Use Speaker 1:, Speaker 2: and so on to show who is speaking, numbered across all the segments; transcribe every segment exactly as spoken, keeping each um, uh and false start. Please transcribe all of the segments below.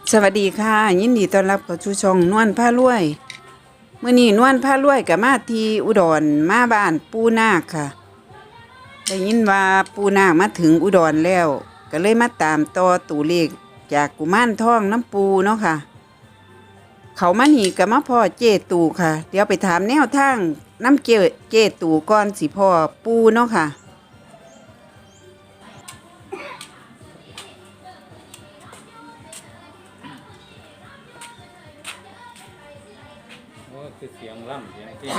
Speaker 1: สวัสดีค่ะยินดีต้อนรับเข้าสู่ช่องนวลพารวยมื้อนี้นวลพารวยก็มาที่อุดรมาบ้านปู่นาคค่ะได้ยินว่าปู่นาคมาถึงอุดรแล้วก็เลยมาตามต่อตัวเลขจากกุมารทองน้ำปูเนาะค่ะเขามานี่ก็มาพ่อเจตูค่ะเดี๋ยวไปถามแนวทางน้ำเจเจตูก่อนสิพ่อปูเนาะค่ะ
Speaker 2: คือเสียงล่ำเสียงที่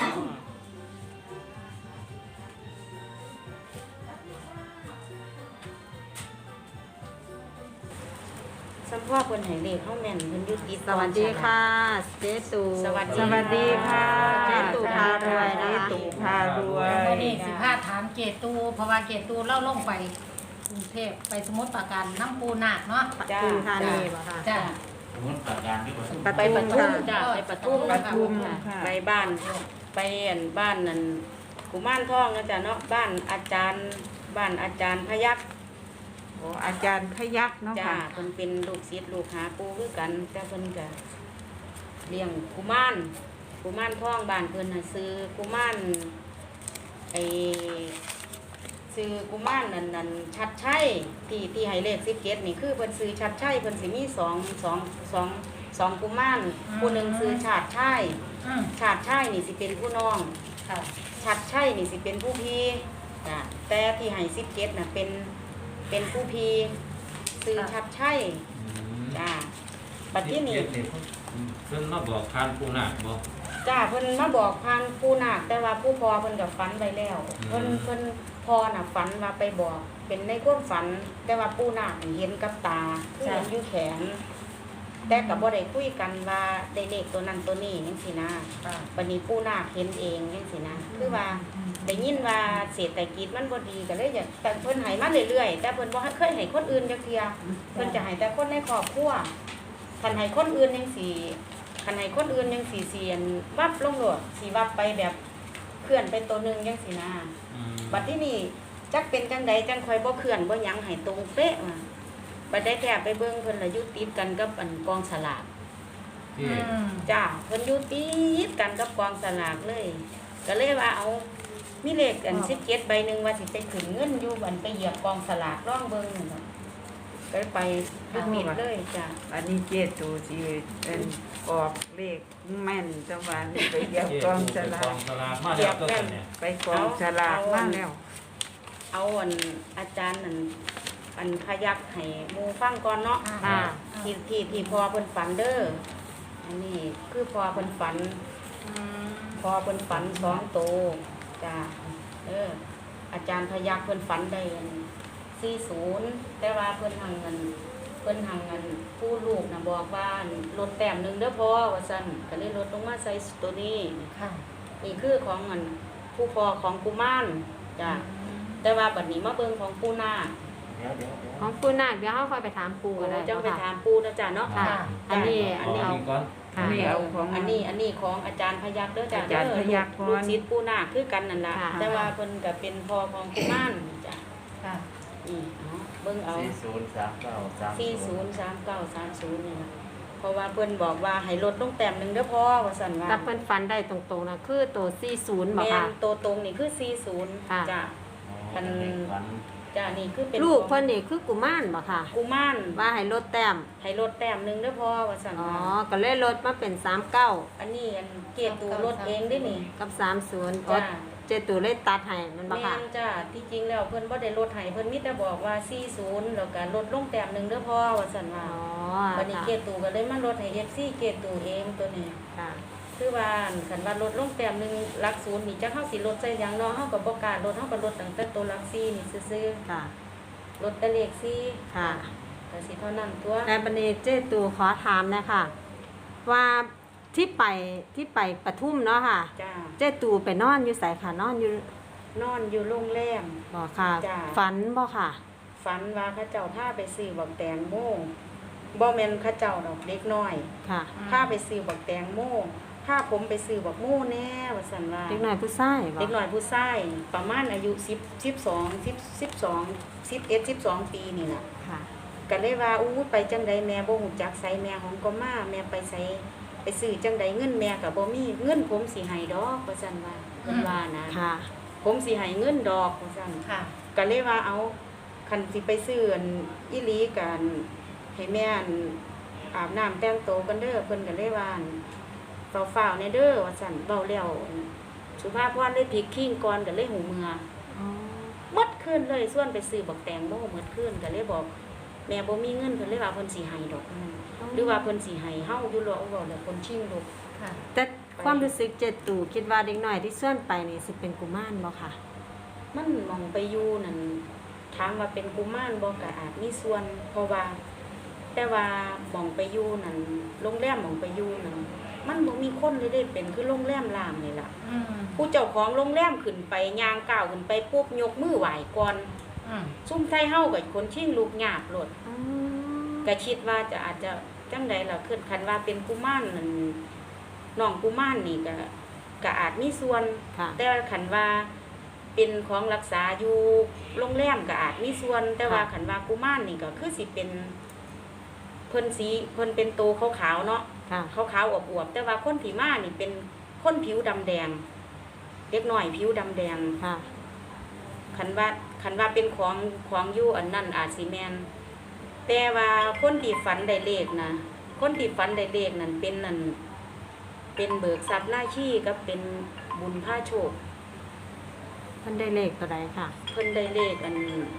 Speaker 3: สัมพ่อคนไหนเลขเข้าแม่นเพิ่นอยุติ
Speaker 4: สวัสดีค่ะเจ๊ตู
Speaker 3: สวัสดี
Speaker 1: สวัสดีค่ะ
Speaker 4: เจ๊ตูพารวยนะ
Speaker 1: เจ
Speaker 4: คะ
Speaker 1: ตูพารวย
Speaker 5: วันนี้สิพาถามเกตูเพราะว่าเกตูเล่าลงไปกรุงเทพไปสมุทรปราการน้ำปูนาคเนาะ
Speaker 3: จ้า
Speaker 4: ปทุมธานีเหรอคะ
Speaker 5: จ้า
Speaker 2: มันตัดการที่ผม
Speaker 4: ป
Speaker 3: ไป
Speaker 4: ทุ
Speaker 3: ป
Speaker 4: ม
Speaker 3: ทุม
Speaker 4: ค่ะ
Speaker 3: จ้าไปปทุม
Speaker 1: ปทุม
Speaker 3: ค่ะ
Speaker 1: ค่ะ
Speaker 3: ไปบ้านไปอันบ้านนั่นกุมารทองนะจ้ะเนาะบ้านอาจารย์บ้านอาจารย์พยัคฆ์
Speaker 1: โอ้อาจารย์พยักเนาะ
Speaker 3: จ้า
Speaker 1: ค่ะ
Speaker 3: เพิ่นเป็นลูกศิษย์ลูกหาปู่คือกันแต่เพิ่นก็เลี้ยงกุมารกุมารทองบ้านเพิ่นน่ะซื้อกุมารไอซื้อกุมารนั่นนั่นชัดชัยที่ที่ให้เลขสิบเจ็ดนี่คือเพิ่นซื้อชัดชัยเพิ่นสิมีสองสองสองสองกุมารผู้หนึ่งซื้อชาติชัย
Speaker 5: อืม
Speaker 3: ชาติชัยนี่สิเป็นผู้น้อง
Speaker 5: ค่ะ
Speaker 3: ชัดชัยนี่สิเป็นผู้พี่จ้ะแต่ที่ให้สิบเจ็ดน่ะเป็นเป็นผู้พี่ซื้อชัดชัยจ้าบัดที่นี่
Speaker 2: เพิ่นมาบอกทานผู้นาคบอก
Speaker 3: จ้าเพิ่นมาบอกพันผู้นาคแต่ว่าผู้พอเพิ่นกับฝันไปแล้ว
Speaker 2: อืม
Speaker 3: เพิ่นเพิ่นพอน่ะฝันว่าไปบอก เป็นในความฝัน แต่ว่าผู้นาคนี่เห็นกับตาคือเห็นอยู่แขน แต่กับบ่ได้คุยกันว่าได้เลขตัวนั้นตัวนี้จังซี่นะ
Speaker 5: ค่ะ
Speaker 3: บัดนี้ผู้นาคเห็นเองจังซี่นะคือว่าได้ยินว่าเศรษฐกิจมันบ่ดีก็เลยอยากแต่เพิ่นให้มาเรื่อยๆแต่เพิ่นบ่เคยให้คนอื่นจักเที่ยเพิ่นจะให้แต่คนในครอบครัวคันให้คนอื่นจังซี่คันให้คนอื่นจังซี่เสียนวับลงโลดสิวับไปแบบเคลื่อนไปตัวหนึงจังซี่นะบัดที่นี่จักเป็นจังใดจังค่อยบ่เคลื่อนบ่หยังให้ตรงเป๊ะว่าบัดได้แทบไปเบิ่งเพิ่นละอยู่ติดกันกับอันกองสลาก
Speaker 2: ที่
Speaker 5: อืม
Speaker 3: จ้าเพิ่นอยู่ติดกันกับกองสลากเลย ก็เลยว่าเอามีเลขอันสิบเจ็ดใบหนึ่งว่าสิไปขึ้นเงินอยู่บันไปเหยียบกองสลากร่องเบิ่งนั่นน่ะก็เลยไปลูกมิดเลยจ้า
Speaker 1: อันนี้เจตูสิเป็นออกเลขแม่นจังหวะนี้ไปเหยียบกองสลาก
Speaker 2: กองสลากมาแล้วก็เนี่ย
Speaker 1: ไปกองสลากมาแล้ว
Speaker 3: เอาอันอาจารย์นั่นอันพยักให้หมู่ฟังก่อนเนาะ
Speaker 5: อ่า
Speaker 3: ที่ที่ที่พอเพิ่นฝันเด้ออันนี้คือพอเพิ่นฝัน
Speaker 5: อืม
Speaker 3: พอเพิ่นฝันสองโตจ้าเอออาจารย์พยักเพิ่นฝันได้สี่ศูนย์แต่ว่าเพิ่นหังเงินเพิ่นหังเงินผู้ลูกนะบอกว่าลดแต้มหนึ่งเด้อพ่อว่าซั่นก็เลยลดลงมาใส่ตัวนี้
Speaker 5: ค่ะ
Speaker 3: นี่คือของเงินผู้พ่อของกุมารจ้าแต่ว่าบัดนี้มาเบิ่งของปู่นาค
Speaker 2: เดี๋ยวเดี๋ยวเดี๋ยว
Speaker 4: ของปูนาคเดี๋ยวเขาค่อยไปถามปูกันเลย
Speaker 3: เจ้าไปถามปู่นะจ้าเนาะ
Speaker 4: ค่ะ อันนี้
Speaker 2: อั
Speaker 4: อั
Speaker 2: น
Speaker 4: น
Speaker 2: นี้
Speaker 4: นี้
Speaker 2: ก่อน
Speaker 4: ค่ะ
Speaker 1: นี่เอาของ
Speaker 3: อันนี้อันนี้ของอาจารย์พยักเด้อจ้า
Speaker 1: อาจารย์พยัคฆ์ก่อน
Speaker 3: ลูกศิษย์ปู่นาคคือกันนั่นล่ะ
Speaker 4: ค่ะ
Speaker 3: แต่ว่าเพิ่นก็เป็นพ่อของกุมารจ้า
Speaker 5: ค่ะ
Speaker 3: อืมเอาเบิ่งเอา
Speaker 6: สี่ศูนย์สามเก้าสาม
Speaker 3: สี่ศูนย์สามเก้าสามศูนย์นี่ล่ะเพราะว่าเพิ่นบอกว่าให้ลดลงแต้มหนึงเด้อพ่อว่าซั่นว่า
Speaker 4: แต่เพิ่นฟันได้ตรงๆนะคือตัวสี่ศูนย์บอก
Speaker 3: แม่
Speaker 4: ค่ะ
Speaker 3: นตัวตรงนี่คือสี่ศูนย์
Speaker 4: ค่ะ
Speaker 3: จ้า
Speaker 6: อันนี้ฝัน
Speaker 3: จ้านี่คือเป็น
Speaker 4: ลูกเพิ่นนี่คือกุมารบอกค่ะ
Speaker 3: กุมาร
Speaker 4: ว่าให้ลดแต้ม
Speaker 3: ให้ลดแต้มหนึงเด้อพ่อว่าซั่น
Speaker 4: อ๋อ
Speaker 3: ว่า
Speaker 4: ก็เลยลดมาเป็นสามเก้า
Speaker 3: อันนี้อันเกตตูลดเองเด้นี่
Speaker 4: กับสามศูนย์
Speaker 3: จ้า
Speaker 4: เจตูเลยตัดให้มันบอก
Speaker 3: แม่
Speaker 4: ค่ะ
Speaker 3: นจ้าที่จริงแล้วเพิ่นบ่ได้ลดให้เพิ่นมีแต่บอกว่าสี่ศูนย์แล้วก็ลดลงแต้มหนึงเด้อพ่อว่าซั่นว่า
Speaker 4: อ๋อ
Speaker 3: วันนี้
Speaker 4: ค่ะ
Speaker 3: เกตตูก็เลยมาลดให้ เอฟ ซี เกตตูเองตัวนี้
Speaker 4: ค่ะ
Speaker 3: คือว่าคันว่าลดลงแต้มหนึงหลักศูนย์นี่จักเฮาสิลดใส่หยังเนาะเฮาก็บ่กล้าลดเฮาก็ลดตั้งแต่ตัวหลักสี่นี่ซื่อ
Speaker 4: ค่ะ
Speaker 3: ๆลดแต่เลขสี่
Speaker 4: ค่ะ
Speaker 3: ก็สิเท่านั้นตัว
Speaker 4: ในบันนี้เจตูขอถามนะคะ ว่าที่ไปที่ไปปทุมเนาะค่ะ
Speaker 3: จ้า
Speaker 4: เจตูไปนอนอยู่ไสค่ะนอนอยู่
Speaker 3: นอนอยู่โรงแรม
Speaker 4: บ่ค่ะ
Speaker 3: จ้ะ
Speaker 4: ฝันบ่ค่ะ
Speaker 3: ฝันว่าเขาเจ้าพาไปซื้อบักแตงโมบ่แม่นเขาเจ้าดอกเด็กน้อย
Speaker 4: ค่ะ
Speaker 3: พาไปซื้อบักแตงโมพาผมไปซื้อบักโมแน่ว่าซั่นว่า
Speaker 4: เด็กน้อยผู้ชายบ่
Speaker 3: เด็กน้อยผู้ชายประมาณอายุ10 12 10 12 11 12ปีนี่ล่ะ
Speaker 4: ค่ะ
Speaker 3: กก็เลยว่าอู้ไปจังใดแม่บ่ฮู้จักไสแม่ของก็มาแม่ไปไสไปซื้อจังใดเงินแม่ก็บ่มีเงินผมสิให้ดอกว่าซั่นว่าเพิ่นว่านะ
Speaker 4: ค่ะ
Speaker 3: ผมสิให้เงินดอกว่าซั่น
Speaker 5: ค่ะ
Speaker 3: ก็เลยว่าเอาคันสิไปซื้ออันอีหลีกันให้แม่อันอาบน้ำแต่งตัวกันเด้อเพิ่นก็เลยว่าอั่นฝ้าวๆในเด้อว่าซั่นเว้าแล้วสุภาพพรเลยพลิกขิ้งก่อนก็เลยหูเมือ
Speaker 4: อ๋อ
Speaker 3: หมดคืนเลยส่วนไปซื้อบักแตงโมหมดคืนก็เลยบอกแม่บ่มีเงินเพิ่นเลยว่าเพิ่นสิให้ดอกนั่นหรือว่าเพิ่นสิให้เฮาอยู่รอเอาเว้าแล้วเพิ่นชิงลูก
Speaker 5: ค่ะ
Speaker 4: แต่ความรู้สึกเจตูคิดว่าเด็กน้อยที่ส่วนไปนี่สิเป็นกุมารบ่ค่ะ
Speaker 3: มันมองไปอยู่นั่นถามว่าเป็นกุมารบ่ก็อาจมีส่วน เพราะว่า แต่ว่าหมองไปอยู่นั่นโรงแรมหมองไปอยู่นั่นมันบ่มีคนเลยได้เป็นคือโรงแรมรามนี่ล่ะ
Speaker 5: อืม
Speaker 3: ผู้เจ้าของโรงแรมขึ้นไปย่างก้าวขึ้นไปปุ๊บยกมือไหว้ก่อน
Speaker 5: อืม
Speaker 3: ซุ่มไทเฮาก็คนชิงลูกหยาบโลด
Speaker 4: อ๋อ
Speaker 3: ก็คิดว่าจะอาจจะจังใดล่ะคือคันว่าเป็นกุมารนั่นน้องกุมารนี่ก็ก็อาจมีส่วน
Speaker 4: ค่ะ
Speaker 3: แต่ว่าคันว่าเป็นของรักษาอยู่โรงแรมก็อาจมีส่วน แต่ว่าคันว่ากุมารนี่ก็คือสิเป็นเพิ่นสีเพิ่นเป็นโตขาวๆเนาะ
Speaker 4: ค่ะ
Speaker 3: ขาวๆอวบๆแต่ว่าคนที่มานี่เป็นคนผิวดำแดงเล็กน้อยผิวดำแดง
Speaker 4: ค่ะ
Speaker 3: คันว่าคันว่าเป็นของของอยู่อันนั้นอาจสิแมนแต่ว่าคนที่ฝันได้เลขนะคนที่ฝันได้เลขนั่นเป็นนั่นเป็นเบิกทรัพย์หน้าขี้กับเป็นบุญผ้าโชค
Speaker 4: มันได้เลขตัวใดค่ะ
Speaker 3: เพิ่นได้เลขอัน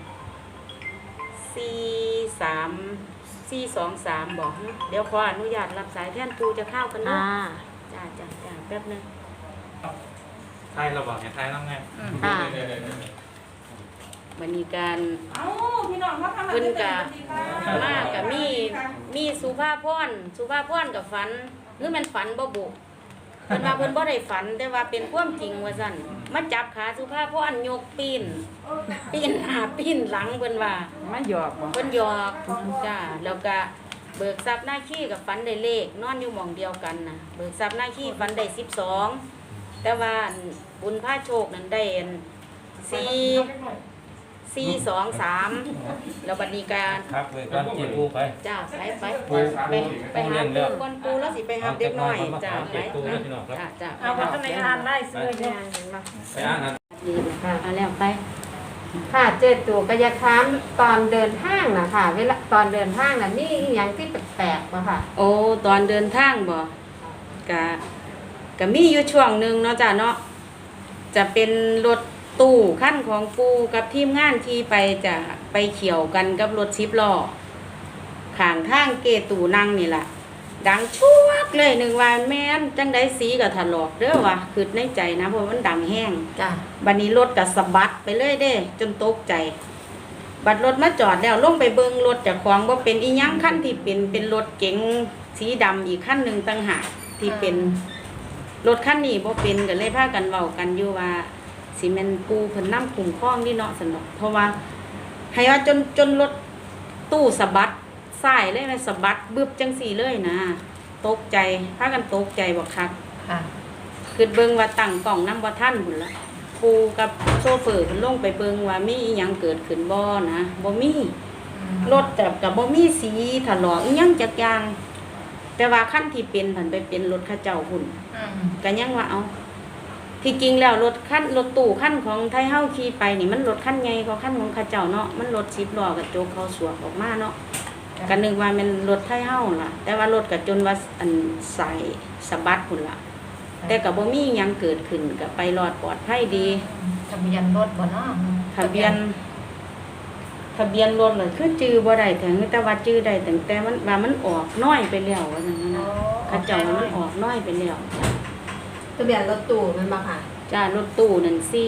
Speaker 3: สี่สามสี่สองสามบอกฮะเดี๋ยวขออนุญาตรับสายแทนปูจะเข้ากันเนาะ
Speaker 4: อ่า
Speaker 3: จ้าจ้าจ้าแป๊บนึง
Speaker 2: ไทยเราบอกไงไทยแล้วไง
Speaker 5: อืม
Speaker 4: ค่ะ
Speaker 3: วันนี้การ
Speaker 7: เอ้าพี่น้องเขาทำอะไร
Speaker 3: เพิ่น
Speaker 7: กั
Speaker 3: กะ
Speaker 7: น
Speaker 3: มากกับมีมีสุภาพรสุภาพรกับฝันหรือมันฝันบ่บุเพิ่นว่าเพิ่นบ่ได้ฝัน แต่ว่าเป็นความจริงว่าซั่นมาจับขาสุภาพรยกปีนปีนหน้าปีนหลังเพิ่นว่า
Speaker 1: มาหยอกบ่
Speaker 3: เพิ่นหยอกจ้าแล้วก็เบิกทรัพย์หน้าขี้กับฝันได้เลขนอนอยู่หม่องเดียวกันน่ะเบิกทรัพย์หน้าขี้ฝันได้สิบสองแต่ว่าอันบุญพาโชคนั้นได้อันสี่ สี่สองสามแล้วบัดนี้การ
Speaker 2: ครับเลยการเจ็บปูไป
Speaker 3: จ้าไปไป
Speaker 2: ปู
Speaker 3: ไปไปหาปูก่อนปูแล้วสิไปหาเด็กน้อยจ้าไปจ้าจ้า
Speaker 7: เอาว่าทำไมอ่านได้ซื้อ
Speaker 4: เนี่
Speaker 7: เนี่ย ย
Speaker 4: เห็นปะ
Speaker 2: ไปอ่านนะ
Speaker 3: ดีนะคะเอาแล้วไป
Speaker 4: ค่ะเจตูก็อยากถามตอนเดินทางนะค่ะ เวลาตอนเดินทางน่ะนี่อหย่างที่แปลกๆป่ะค่ะ
Speaker 3: โอ้ตอนเดินทางบ่กะกะมีอยู่ช่วงหนึ่งเนาะจ้าเนาะจะเป็นรถตู้ขั้นของปูกับทีมงานที่ไปจะไปเขี่ยวกันกับรถสิบล้อข้างทางเกตูนั่งนี่แหละดังชวกเลยหนึ่งวันแม่นจังได้สีกับถลอกเด้อวะคือในใจนะเพราะมันดังแห้ง
Speaker 5: จ้ะ
Speaker 3: บัดนี้รถกับสะบัดไปเลยเด้ จนตกใจ บัดรถมาจอดแล้วลงไปเบิงรถจากของว่าเป็นอีหยังขั้นที่เป็นเป็นรถเก๋งสีดำอีกขั้นหนึ่งต่างหากที่เป็นรถขั้นนี้บ่เป็นก็เลยพากันเว้ากันอยู่ว่าสิแม่นปูเพิ่นนำคุ้มครองนี่เนาะสนอกเพราะว่าให้ว่าจนจนรถตู้สะบัดสายเลยแม่สะบัดบึบจังสี่เลยนะตกใจพากันตกใจบ่คัก
Speaker 5: ค่ะ
Speaker 3: คือเบิ่งว่าตั้งกล่องนำบ่ทันพุ่นละปูกับโชเฟอร์เพิ่นลงไปเบิ่งว่ามีอีหยังเกิดขึ้นบ่นะบ่มีรถแต่ก็บ่มีสีถลอกอีหยังจักอย่างแต่ว่าคันที่เป็นเพิ่นไปเป็นรถเขาเจ้าพุ่น
Speaker 5: อืม
Speaker 3: ก็ยังว่าเอาที่จริงแล้วรถคันรถตู้คันของไทยเฮาขี่ไปนี่มันรถคันใหญ่กว่าคันของเขาเจ้าเนาะมันรถสิบล้อกระจกเขาสวกออกมาเนาะก็นึกว่ามันรถไทยเฮาล่ะ แต่ว่ารถก็จนว่าอันใส่สะบัดพุ่นล่ะ แต่ก็บ่มีหยังเกิดขึ้นก็ไปรอดปลอดภัยดี
Speaker 5: ทะเบียนรถบ่เนาะ
Speaker 3: ทะเบียน ทะเบียนรถเลยคือจื้อบ่ได้ถึงแต่ว่าจื้อได้ตั้งแต่มันว่ามันออกน้อยไปแล้วว่าซั่นนะเขาเจ้าว่ามันออกน้อยไปแล้ว
Speaker 4: ทะเบียนรถตู้แมันบ่ค่ะ
Speaker 3: จ้ารถตู้นั่นสี่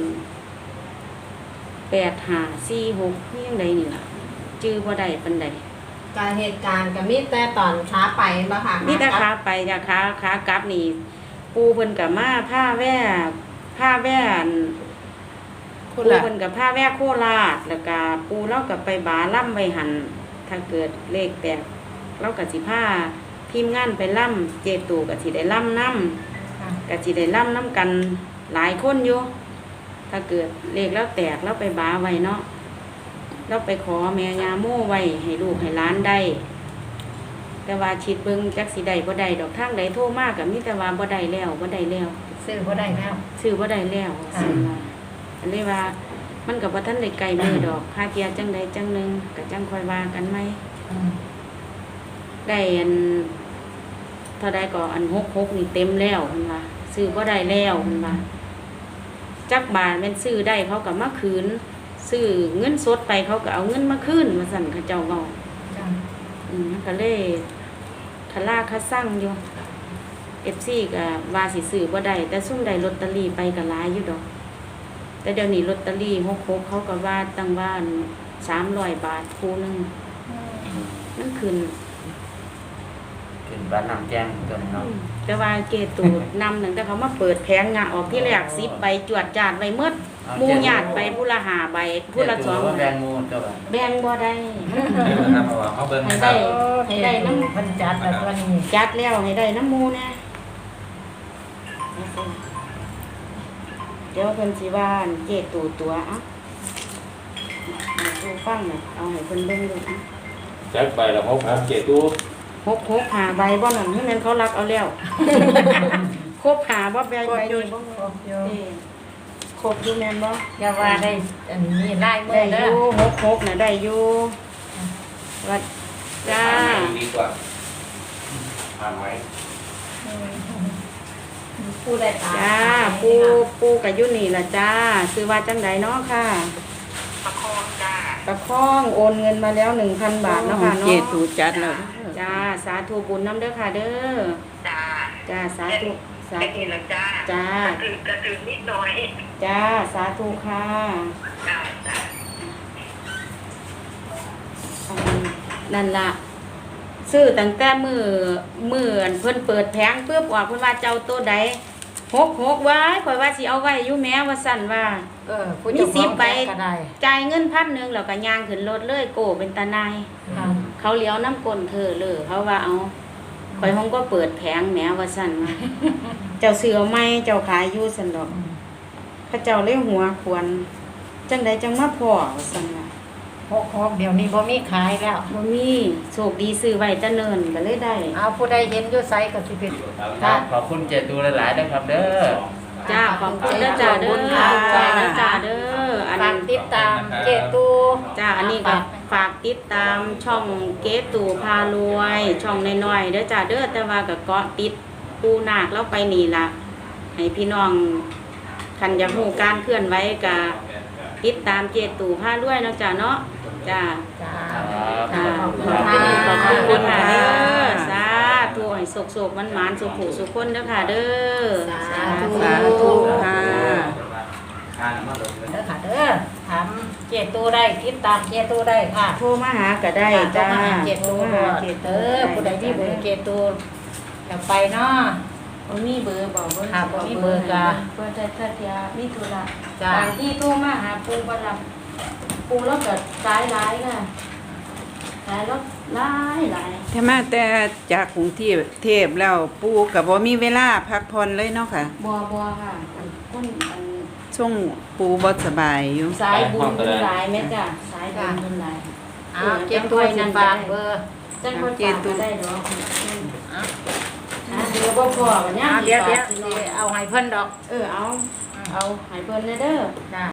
Speaker 3: แปดห้าสี่หกนี่ยังใดนี่ล่ะจื้อบ่ได้ปานใด
Speaker 4: การเหตุการณ์ก็มีแต่ตอนขาไปแม่นบ่ค่ะ
Speaker 3: มีแต่ขาไปจ้ะขาขากลับนี่ ปูเพิ่นก็มาผ้าแว่ผ้าแว่น ปูเพิ่นกับผ้าแว่โคราชแล้วก็ปูเรากับไปบาล่ำไว้หันถ้าเกิดเลขแตกเรากับสิผ้าทีมงานไปล่ำเจตูกับสิได้ล่ำน้ำ
Speaker 5: ค่ะ
Speaker 3: กับสิได้ล่ำน้ำกันหลายคนอยู่ถ้าเกิดเลขแล้วแตกแล้วไปบาไว้เนาะเราไปขอแม่ยาโม่ไว้ให้ลูกให้หลานได้แต่ว่าชิดเบิ่งจักสิได้บ่ได้ดอกทางใดโทรมากก็มีแต่ว่าบ่ได้แล้วบ่ได้แล้ว
Speaker 5: ซื้อบ่ได้แล้ว
Speaker 3: ซื้อบ่ได้แล้วซั่นว่าอันนี้ว่ามันก็บ่ทันได้ไกลมือดอกพาเทียจังใดจังหนึงก็จังค่อยว่ากันไหม
Speaker 5: อืม
Speaker 3: ได้อันเท่าใดก็อันหกหกนี่เต็มแล้วเพิ่นว่าซื้อบ่ได้แล้วเพิ่นว่าจักบาทแม่นซื้อได้เขาก็มาคืนซื้อเงินสดไปเขาก็เอาเงินมาคืนว่าซั่นเขาเจ้าเว้า
Speaker 5: จ้ะ
Speaker 3: อืมก็เลยทะลาคาสั่งอยู่ เอฟ ซี ก็ว่าสิซื้อบ่ได้แต่ซุ่มได้ลอตเตอรี่ไปก็หลายอยู่ดอก แต่เดี๋ยวนี้ลอตเตอรี่หกหกเขาก็ว่าตั้งว่าสามร้อยบาทคู่หนึง
Speaker 5: อืม
Speaker 3: นั่นคืน
Speaker 6: ขึ้นบ้านน้ำแจ้งตัวนี้เนาะ
Speaker 3: แต่ว่าเกตูนำหนึ่งแต่เขามาเปิดแผงงะออกที่แรกสิบใบจวดจาดใบเมื่อหมูหยาดไปผู้ละหาใบผู้ละสอง
Speaker 6: แบงมูตัว
Speaker 3: แบ่งบ่ได้
Speaker 2: ครับเอาเขาเบิ่ง
Speaker 3: ให้
Speaker 2: ครั
Speaker 3: ได้
Speaker 2: บ
Speaker 3: ให้ได้น้ำ
Speaker 5: เพิ่นจัดแล้วตัวนี้
Speaker 3: จัดแล้วให้ได้น้ำหมูนะเดี๋ยวเพิ่นสิว่าอันเกตูตัวอ่ะดูฟังหน่อยเอาให้เพิ่นเบิ่งดูอ่ะ
Speaker 2: แจ็คไปแล้วหกหกเจ็ดตู้
Speaker 3: หกหกหาใบบ่นั่นให้มันเขารักเอาแล้ว ครบหาบ่ใบใบนี้บ่
Speaker 5: ครบอยู่
Speaker 3: เอ้ครบอยู่แม่นบ่
Speaker 5: อย่าว่าได้อันนี้ลายมื
Speaker 3: ได้
Speaker 5: อ
Speaker 3: อ
Speaker 5: เด้อยู่
Speaker 3: หกหกน่ะได้อยู่วัดจ้า
Speaker 2: ดีกว่า
Speaker 6: ผ่านไว้
Speaker 5: อืมผู้ได้ตาม
Speaker 3: จ้าปูปูกับยุนี่ล่ะจ้าซื้อว่าจังไดเนาะค่ะประคองจ้าประคองโอนเงินมาแล้วหนึ่งพันบาทเนาะค่ะเนาะ
Speaker 1: เจตูจัดแล้ว
Speaker 3: จ้าสาธุบุญน้ำเด้อค่ะเด้อจ้าจ้าสาธุสาธุจ้าจ้ากระตือกระตือนิดหน่อยจ้าสาธุค่ะจ้าจ้านั่นล่ะซื้อตั้งแต่มือมืออันเพิ่นเปิดแผงเพื่อบอกเพิ่นว่าเจ้าตัวใดหกหกไว้ข่อยว่าสิเอาไว้อยู่แม้ว่าสั่นว่า
Speaker 5: เออผู้
Speaker 3: มี
Speaker 5: เจ้า
Speaker 3: สิบใบ
Speaker 5: ก็ได้
Speaker 3: จ่ายเงินพันหนึ่งแล้วก็ย่างขึ้นรถเลยโกเป็นตาหนาย
Speaker 5: ค่ะ
Speaker 3: เขาเลี้ยวน้ำกลนเธอเลยเขาว่าเอาข่อยห้องก็เปิดแผงแหมว่าสั่นว่า เจ้าเสือไม่เจ้าขายอยู่สันดอกพระเจ้าเลยหัวควรจังใดจังมาพ่อว่าสั่นว่า
Speaker 5: หกหกเดี๋ยวนี้บ่มีขายแล้ว
Speaker 3: บ่มีโชคดีซื้อไว้แตะเนินก็เลยได้
Speaker 5: เอาผู้ใดเห็นอยู่ไสก็สิเป็น
Speaker 6: ครับขอบคุณเจตูหลายๆนะครับเด้อ
Speaker 3: จ้าขอบคุณเด้อจ้าเด้อขอบคุณเด้อจ้าเด้ออัน
Speaker 5: ฝากติดตามเจตู
Speaker 3: จ้าอันนี้ก็ฝากติดตามช่องเกตู่พารวย ช่องน้อยๆเด้อจ้าเด้อแต่ว่าก็เกาะติดปูนาคแล้วไปนี่ล่ะให้พี่น้องคันอยากรู้การเคลื่อนไหวก็ติดตามเกตู่พารวยเนาะจ้าเนาะจ้า
Speaker 5: จ้า
Speaker 3: จ้า
Speaker 5: ขอบคุณ
Speaker 3: ขอบ
Speaker 5: ค่ะ
Speaker 3: คุณขอบคุณคุณค่ะเด้อสาธุให้สุขๆมันๆสุขๆสุขคนเด้อค่ะเด้อ
Speaker 5: สาธุ
Speaker 1: สาธุค่ะ
Speaker 6: อ่านมาเลย
Speaker 5: เด้อค่ะเด้อถามเจตูได้ติดตามเจตูได้ค่ะ
Speaker 3: โทรมาหาก็ได้จ้า
Speaker 5: เจตู
Speaker 3: โทรมาหาเก
Speaker 5: เอ
Speaker 3: ตู่
Speaker 5: อผู้ใดที่เบอร์เจตูจะไปเนาะ
Speaker 3: บ่มีเบอร์บอกเบอร์
Speaker 5: ค่ะบ่มีเบอร์จ้ะ
Speaker 3: เบอร์แต่ถ้าเทียมีธุระ
Speaker 5: จ้า
Speaker 3: บางที่โทรมาหาปูบ่รับปูแล้วก็สายหลายค่ะสายแล้วหลายหลาย
Speaker 1: ถ้ามาแต่จากกรุงเทพเทพแล้วปูก็บ่มีเวลาพักผ่อนเลยเนาะค่ะ
Speaker 3: บ่บ่ค่ะอันคนอัน
Speaker 1: ช่วงปูบ่สบายอยู่
Speaker 3: สายบุญเพิ่นหลายแม่จ้ะสายบุญเพิ่นหลาย
Speaker 5: เอาเจตูสิฝากเบอร์
Speaker 3: จังคนฝากก็ได้ดอก
Speaker 5: เอา
Speaker 3: หาเดี๋ยวบ่พอกันยาม
Speaker 5: เอาเดี๋ยวเดี๋ยว
Speaker 3: สิ
Speaker 5: สิเอาให้เพิ่นดอก
Speaker 3: เออเอาเอาให้เพิ่นเด้อ
Speaker 5: จ้า